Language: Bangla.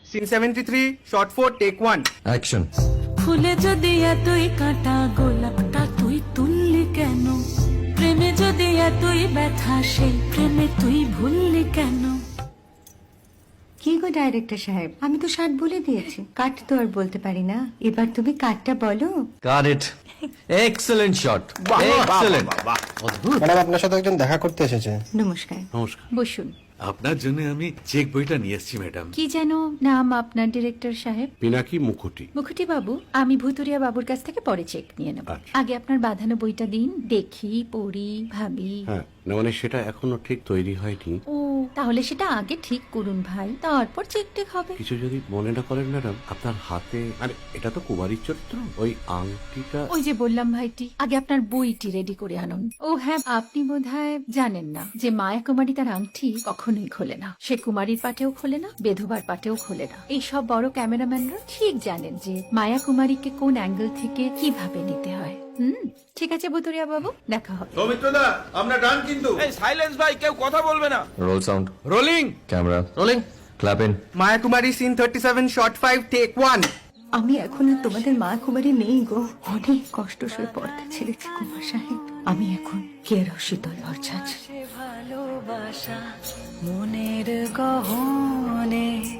Scene 73, shot 4, take 1. অ্যাকশন। ফুলে যদি এতই কাঁটা গোলাপটা তুই তুললি কেন? প্রেমে যদি এতই ব্যথা সেই প্রেমে তুই ভুললি কেন? কি গো ডাইরেক্টর সাহেব, আমি তো 60 বলে দিয়েছি, কাট তো আর বলতে পারি না, এবার তুমি কাটটা বলো। Got it. Excellent shot, excellent. Madam আপনার সাথে একজন দেখা করতে এসেছে। নমস্কার, নমস্কার। বসুন। আপনার জন্য আমি চেক বইটা নিয়ে এসেছি ম্যাডাম। কি যেন নাম আপনার ডিরেক্টর সাহেব? পিনাকি মুখোটি। মুখুটি বাবু, আমি ভুতুরিয়া বাবুর কাছ থেকে পরে চেক নিয়ে নেব। আচ্ছা। আগে আপনার বাঁধানো বইটা দিন, দেখি, পড়ি, ভাবি। হ্যাঁ, না মানে সেটা এখনো ঠিক তৈরি হয়নি। ও, তাহলে সেটা আগে ঠিক করুন ভাই, তারপর চেক টেক হবে। কিছু যদি মনে না করেন ম্যাডাম, আপনার হাতে, আরে এটা তো কুমারীর চরিত্র, ওই আংটিটা। ওই যে বললাম ভাইটি, আগে আপনার বইটি রেডি করে আনুন। ও হ্যাঁ, আপনি বোধহয় জানেন না যে মায়া কুমারী তার আংটি কখনোই খোলে না। সে কুমারীর পাটেও খোলে না, বেধবার পাটেও খোলে না। এই সব বড় ক্যামেরাম্যানরা ঠিক জানেন যে মায়া কুমারীকে কোন অ্যাঙ্গেল থেকে কিভাবে নিতে হয়। ঠিক আছে ভুতুরিয়া বাবু, দেখা হবে। সৌমিত্রদা, আমরা ডান কিন্তু। এই সাইলেন্স ভাই, কেউ কথা বলবে না। Roll sound, rolling. Camera rolling, clap in. Maya Kumari, scene 37, shot 5, take 1. আমি এখন আর তোমাদের মা কুমারী নেই গো, অনেক কষ্ট সয়ে পর্দা ছেড়েছি কুমার সাহেব। আমি এখন কেরো শীতল ভরছাছ। ভালোবাসা মনের গহনে